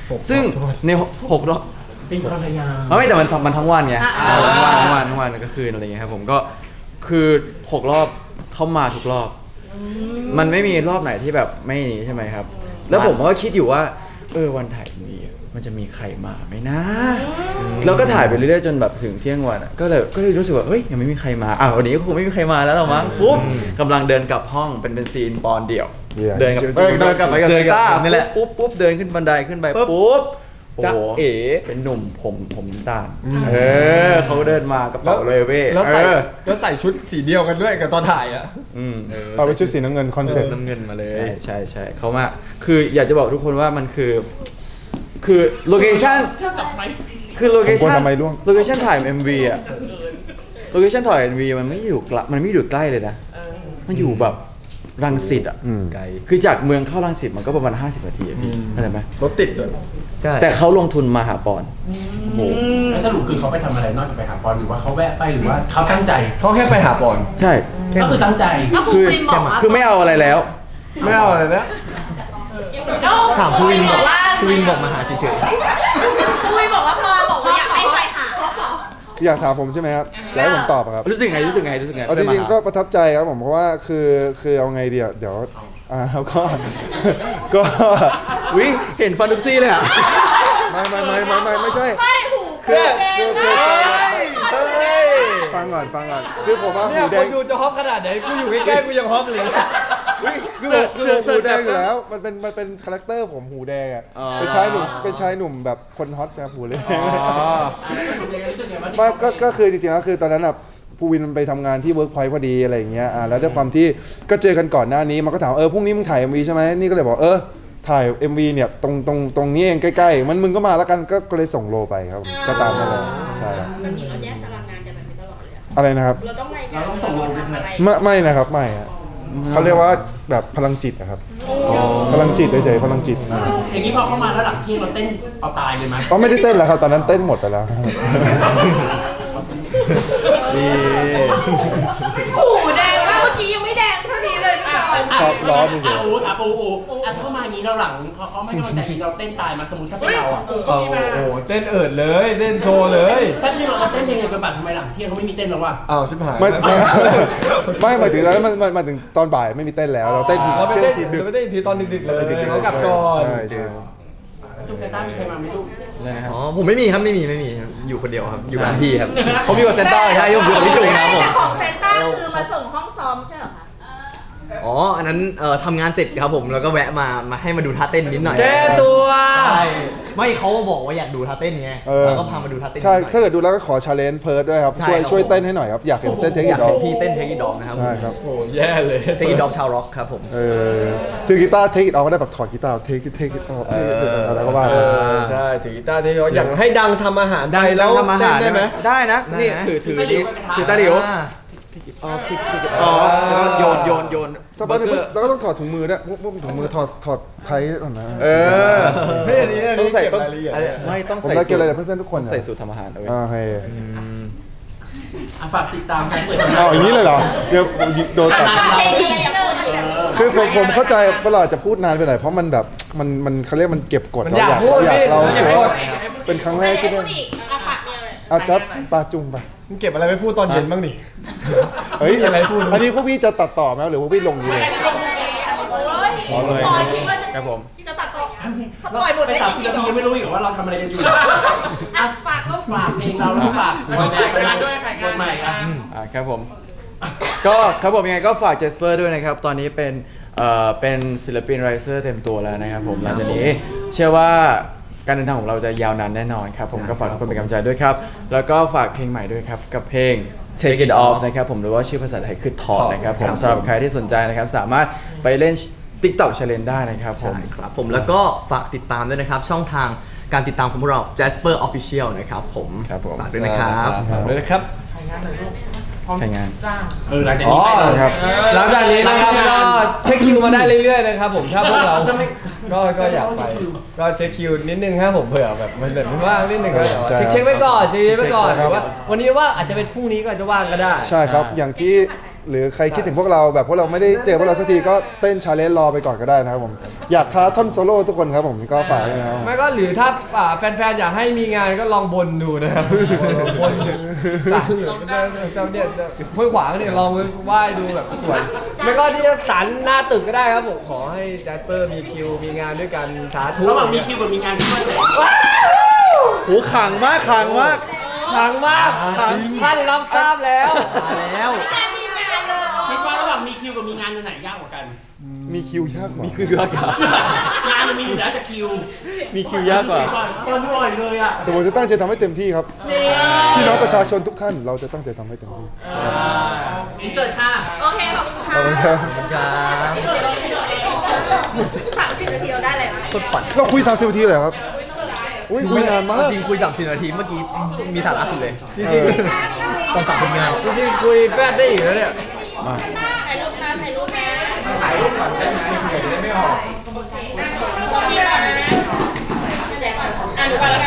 Speaker 6: ซึ่งในหกรอบ
Speaker 7: เป็นความพยายาม
Speaker 6: ไม่แต่มันมันทั้งวันไง
Speaker 3: อ่า
Speaker 6: เออทั้งวันทั้งวันทั้งวันก็คืนอะไรเงี้ยครับผมก็คือหกรอบเข้ามาทุกรอบ มันไม่มีรอบไหนที่แบบไม่นี้ใช่ไหมครับ แล้วผมก็คิดอยู่ว่าเออวันถ่ายมีมันจะมีใครมาไหมนะแล้วก็ถ่ายไปเรื่อยๆจนแบบถึงเที่ยงวันอะก็เลยก็เลยรู้สึกว่าเฮ้ยยังไม่มีใครมาอ่ะวันนี้ก็คงไม่มีใครมาแล้วหรอมั้งปุ๊บกำลังเดินกลับห้องเป็นเป็นซีนปอนเดี่ยว
Speaker 2: Yeah
Speaker 6: เดินกับเออเดินกลับไปกับ
Speaker 1: เดินกับ
Speaker 6: ต้า
Speaker 1: นี่แหละ
Speaker 6: ปุ๊บปุ๊บเดินขึ้นบันไดขึ้นไปปุ๊บโอ้
Speaker 4: จ๊ะ
Speaker 6: โห
Speaker 4: เอ๋
Speaker 6: เป็นหนุ่มผมผมน้ำตาลเออเขาเดินมากระเป๋าเลยเว้ย
Speaker 4: แล้วใส่
Speaker 6: เออ
Speaker 4: แล้วใส่ชุดสีเดียวกันด้วยกับตอนถ่ายอ่ะ
Speaker 6: อืมเออ
Speaker 2: เอาไปชุดสีน้ำเงินคอนเซ็ปต์
Speaker 6: น้ำเงินมาเลย ใช่ใช่ใช่เขามาคืออยากจะบอกทุกคนว่ามันคือ คือโลเคชั่นคือโลเค
Speaker 2: ผมกลั
Speaker 6: ชั่
Speaker 2: วน ทำไมร่วง
Speaker 6: โลเคชั่นถ่าย เอ็ม วี อะโลเคชั่นถ่าย เอ็ม วี มันไม่อยู่ไกลมันไม่อยู่ใกล้เลยนะมันอยู่แบบรังสิตอะ
Speaker 2: อืม
Speaker 6: ไกลคือจากเมืองเข้ารังสิตมันก็ประมาณห้าสิบนาทีอะพี่เข้าใจไหม
Speaker 4: รถติดเลย
Speaker 6: แต่เขาลงทุนมาหาปอนโอ้โห
Speaker 7: แล้วสรุปคือเขาไปทำอะไรนอกจากไปหาบอลหรือว่าเขาแวะไปหรือว่าเขาตั้งใจ
Speaker 4: เขาแค่ไปหาบอล
Speaker 6: ใช่
Speaker 7: ก็คือตั้งใจ
Speaker 3: ก็ภูวินบอกว่า
Speaker 6: คือไม่เอาอะไรแล้ว
Speaker 4: ไม่เอาอะไรนะ
Speaker 3: ก็
Speaker 1: ถามภูวินบอก
Speaker 3: ว่า
Speaker 1: ภูวินบอกมาหาเฉย
Speaker 3: ภูวินบอกว่าปอบอกว่าอยากให้ไปหา
Speaker 2: อยากถามผมใช่ไหมครับแล้วให้ผมตอบอะครับ
Speaker 6: รู้สึกไงรู้สึกไงรู้สึกไง
Speaker 2: เอาจริงๆก็ประทับใจครับผมเพราะว่าคือคือเอาไงดีอะเดี๋ยวอ่าครับก็ ก็
Speaker 6: วิเห็นฟันทุกซี่เลยอะ
Speaker 2: ไม่ไม่ไม่ไม่ไม่ไม่ใช่
Speaker 3: ไม่หู
Speaker 2: คือ
Speaker 3: แดง
Speaker 2: คือ
Speaker 3: เล
Speaker 2: คือย ฟังก่อนฟังก่อนคือผมว่า
Speaker 4: เนี่ย
Speaker 2: หูแด
Speaker 4: ค
Speaker 2: ง
Speaker 4: นดูจะฮอปขนาดไหนกูอยู่ใกล้ๆกูยังฮอปเลย
Speaker 2: คือผมคือผมหูแดงอยู่แล้วมันเป็นมันเป็นคาแรคเตอร์ผมหูแดงอ่ะเป็นชายหนุ่มเป็นชายหนุ่มแบบคนฮอตนะครับหูเลยไมาก็ก็คือจริงๆแล้วคือตอนนั้นอ่ะภูวินมันไปทำงานที่เวิร์กพอยต์พอดีอะไรอย่างเงี้ยอ่าแล้วด้วยความที่ก็เจอกันก่อนหน้านี้มันก็ถามเออพรุ่งนี้มึงถ่าย เอ็ม วี ใช่ไหมนี่ก็เลยบอกเออถ่าย เอ็ม วี เนี่ยตรงตรงตรงนี้เองใกล้ๆมันมึงก็มาแล้วกันก็ก็เลยส่งโลไปครับก็ตามนั่นแหละใช่ครับ
Speaker 5: จริงๆเราแยกตารางงานกันแบบนี้ตลอดเลยอะ
Speaker 2: อะไรนะครับ
Speaker 5: เราต้องรายงาน
Speaker 7: เราต้องส่งลงไป
Speaker 5: ทำอะไร
Speaker 2: ไม่ไม่นะครับไม่ฮะเขาเรียกว่าแบบพลังจิตนะครับพลังจิตเฉยๆพลังจิต
Speaker 7: อย่างนี้พอเข้ามาแล้วหลังเที่ยงเราเต้นเอาตายเลยไหม
Speaker 2: ก็ไม่ได้เต้นแล้วครับตอนนั้นเต้นหมดไปแล้ว
Speaker 6: ดี
Speaker 3: หูแดงมากเมื่อกี้ยังไม่แดงเท่านี้เลยพี่บอล
Speaker 2: ครับร้อนเฉยๆ
Speaker 7: อ่ะอูอ่ะปูอูอ่ะเข้ามาอย่างนี้เราหลังพอเขาไม่เข้าใจเราเต้นตายมาสมมติถ้าเป็นเราอ่ะ
Speaker 4: โอ้โหเต้นเอิดเลยเต้นโชว์เลย
Speaker 7: แป๊บนึงเราเต้นเพลงเดียวกันบัตรทำไมหลังเที่ยงเขาไม่มีเต้นแล้ววะ
Speaker 4: อ้าวชิบหาย
Speaker 2: ไม่ไม่ไม่หมายถึงตอนนั้นมันมันมันถึงตอนบ่ายไม่มีเต้นแล้วเราเต้นที
Speaker 4: เราไปเต้น
Speaker 2: ทีดึก
Speaker 4: เราไปเต้นอีกทีตอนดึกๆเลยเขากลับก่อน
Speaker 2: ใช่ใช่
Speaker 7: จุ๊บแซนต้ามีใครมาไหมลูก
Speaker 1: ๆอ๋อผมไม่มีครับไม่มีไม่มีครับอยู่คนเดียวครับอยู่บ้านพี่ครับผมอยู่กับเซนต้าใช่ผมอยู่กับพี่จุ๋ยนะครับผม
Speaker 3: แต่ของเซนต้าคือมาส่งห้องซ้อมใช่เหรอคะ
Speaker 1: อ๋ออันนั้นเอ่อทำงานเสร็จครับผมแล้วก็แวะมามาให้มาดูท่าเต้นนิดหน่อย
Speaker 4: แก้ตัว
Speaker 1: ใช่ไม่เขาบอกว่าอยากดูท่าเต้นไง
Speaker 2: เออ
Speaker 1: แล้วก็พามาดูท่าเต้น
Speaker 2: ใช่
Speaker 1: นิดหน่อย
Speaker 2: ถ้าเกิดดูแล้วก็ขอชาเลนจ์เพิร์ดด้วยครับ
Speaker 1: ใช่
Speaker 2: ช่วย
Speaker 1: ครับ
Speaker 2: ช่วยเต้นให้หน่อยครับอยากเห็นเต้นเทค
Speaker 1: อ
Speaker 2: นิ
Speaker 1: ยา
Speaker 2: ค
Speaker 1: ก
Speaker 2: ดอ
Speaker 1: เห็นพี่เต้นเทคนิคดอกนะครับ
Speaker 2: ใช่ครับ
Speaker 4: โอ้แย่เลย
Speaker 1: เทคนิคดอกชาวร็อกครับผม
Speaker 2: เออถือกีตาร์เทคอิทออกก็ได้แบบถอดกีตาร์เทคเทคอิทออกเทคอะไรก็ว่า
Speaker 4: เอ
Speaker 2: ไป
Speaker 4: อใช่ถือกีตาร์ที่เขาอย่างให้ดังทำอาหาร
Speaker 6: ได้
Speaker 4: แล้
Speaker 6: แล้ว ว
Speaker 4: เต้
Speaker 6: ทำอาหาร
Speaker 4: นได้ไหม
Speaker 6: ได้นะ
Speaker 1: ได้นะ
Speaker 6: นี่ถือถือ
Speaker 7: ถือตะหลิ
Speaker 6: นี่
Speaker 7: วกับกระทะ
Speaker 6: ถือตะหลิว
Speaker 1: อ่า
Speaker 6: อ๋อทิกทิกอ๋อแล้วก็โยนโยนโยน
Speaker 2: สักพักหนึงแล้วก็ต้องถอดถุงมือด้วยพวกพวกถุงมือถอดถอดไทยก่อนนะ
Speaker 6: เออ
Speaker 4: เฮ้ยอันนี้อัน
Speaker 6: ต้อ
Speaker 4: นี้
Speaker 6: งใส่
Speaker 4: เก็บ
Speaker 6: ต้อง
Speaker 4: รายละเอียด
Speaker 6: อะไรไม่ต้อง
Speaker 2: ผม
Speaker 6: ใส่
Speaker 2: ได้เก
Speaker 6: สู
Speaker 2: อะไร
Speaker 6: ตร
Speaker 2: กับเพื่อนๆทุกคน
Speaker 6: ต้องใส่สูตรทำอาหารเอาไว้
Speaker 2: อ่าให้
Speaker 7: อ่ะฝากติดตามการเปิด
Speaker 2: เอาอย่างนี้เลยเหรอเดี๋ยวโดนตัด
Speaker 3: เพลงนี้เดิน
Speaker 2: คือผมผมเข้าใจว่าเราอาจจะพูดนานไปหน่อยเพราะมันแบบมันมันเขาเรียกมันเก็บกด
Speaker 4: มัน
Speaker 2: เรา
Speaker 4: อยาก
Speaker 2: อยาก
Speaker 4: พูด
Speaker 2: อยาก
Speaker 4: พี่
Speaker 2: เรา
Speaker 4: มันอยาก
Speaker 2: เชื่
Speaker 4: พู
Speaker 2: อ
Speaker 4: ด
Speaker 2: เป็นครั้งแรกที่ได้
Speaker 3: อีก
Speaker 5: เอาฝากมีอะไร
Speaker 2: อาจจะปาจุงไป
Speaker 4: มึงเก็บอะไรไปพูดตอนเย็นบ้างดิ
Speaker 2: เฮ้ย
Speaker 4: มีอะไรพูด
Speaker 2: อันนี้พวกพี่จะตัดต่อไหมหรือว่าพี่ลงนี้เลย
Speaker 3: โอ้ยตอนคิดว่าจะ
Speaker 6: ครับผม
Speaker 3: จะตัดต่อปล่อยหมด
Speaker 7: ไป
Speaker 3: ได้
Speaker 7: สาม
Speaker 3: จ
Speaker 7: สิ
Speaker 3: ริ
Speaker 7: บ
Speaker 3: ง
Speaker 7: นาทียังไม่รู้อีกว่าเราทำอะไรกันอยู่
Speaker 3: อ่ะฝากลูก
Speaker 7: ฝากเพลงเราแล้วฝากบทงานด้วยบทใหม่อ่ะ
Speaker 6: อ่าครับผม ก็ครับผมยังไงก็ฝากเจสเปอร์ด้วยนะครับ ตอนนี้เป็นเอ่อเป็นศิลปินไรเซอร์เต็มตัวแล้วนะครับผมหลังจากนี้เชื่อว่าการเดินทางของเราจะยาวนานแน่นอนครับผมก็ฝากทุกคนเป็นกำลังใจด้วยครับ แล้วก็ฝากเพลงใหม่ด้วยครับ กับเพลง Take It Off นะครับผมหรือว่าชื่อภาษาไทยคือถอดนะครับผมสำหรับใครที่สนใจนะครับ สามารถไปเล่น TikTok Challenge ได้นะครับผม
Speaker 1: ใช่ครับผมแล้วก็ฝากติดตามด้วยนะครับช่องทางการติดตามของพวกเรา Jasper Official นะครับผม
Speaker 6: ครับผม
Speaker 1: ฝากด้วยนะครับ
Speaker 4: ฝากด้วยนะครับ
Speaker 6: ใช่งาน
Speaker 7: เออหลังจาก
Speaker 6: อ๋อ
Speaker 7: นี้ไปเลย
Speaker 6: ครับ
Speaker 4: หลังจากนี้นะครับก็เช็คคิวมาได้เรื่อยๆนะครับผมถ้าพวกเราก็ก็อยากไปก็เช็คคิวนิดนึงครับผมเผื่อแบบมันแบบไม่ว่างนิดนึงก็เดี๋ยวเช็คเช็คไว้ก่อนเช็คไว้ก่อนหรือว่าวันนี้ว่าอาจจะเป็นพรุ่งนี้ก็อาจจะว่างก็ได้
Speaker 2: ใช่ครับอย่างที่หรือใครคิดถึงพวกเราแบบพวกเราไม่ได้เจอพวกเราสักทีก็เต้นชาเลนจ์รอไปก่อนก็ได้นะครับผมอยากท้าท่อนโซโล่ทุกคนครับผมก็ฝากด้วยนะครับ
Speaker 4: ไม่ก็หรือถ้าอ่าแฟนๆอยากให้มีงานก็ลองบนดูนะครับบนดูสารเจ้าเนี่ยห้วยขวางเนี่ยลองไหว้ดูแบบสวยไม่ก็ที่สารหน้าตึกก็ได้ครับผมขอให้แจ็คเปอร์มีคิวมีงานด้วยกันสาธุ
Speaker 7: ระหว่างมีคิวกับมีงานที่ไม่ได้
Speaker 6: โหขังมากขังมาก
Speaker 4: ขังมากขังท่านรับทราบแล้ว
Speaker 1: มาแล้ว
Speaker 3: แค่มีงานเลย
Speaker 7: คิดว่าระหว่างมีคิวกับมีงานอันไหนยากกว่ากัน
Speaker 2: มีคิวยากกว่า
Speaker 6: มีคิวยากกว่าง
Speaker 7: านมันมีอยู่แล้วแต่คิว
Speaker 6: มีคิวยากกว่า
Speaker 7: ตอนบ่อยเลยอ่ะ
Speaker 2: แต่ผมจะตั้งใจทำให้เต็มที่ครับพี่น้องประชาชนทุกท่านเราจะตั้งใจทำให้เต็มที่
Speaker 7: อินเสิร์ตค่ะ
Speaker 3: โอเคขอบคุณค่ะ
Speaker 2: ขอบคุณครับ
Speaker 3: สามสิบนาทีเราได้อะไรไหม
Speaker 1: คนปั่น
Speaker 2: เราคุยสามสิบนาทีเลยเหรอครับอุ้ยคุยนานมาก
Speaker 1: จริงคุยสามสิบนาทีเมื่อกี้มีสาระสุดเลย
Speaker 4: จริง
Speaker 1: ต้องฝากผลงาน
Speaker 4: ๆจริงๆคุยแฟดได้อีกแล้วเนี่ย
Speaker 5: ถ่ายรูปค่ะถ่ายรูปนะถ่ายรูปก่อนได้ไหมเดี๋ยวจะได้ไม่ออกตรงนี้ก่อนนะอ่ะหนูก่อนแล้วกัน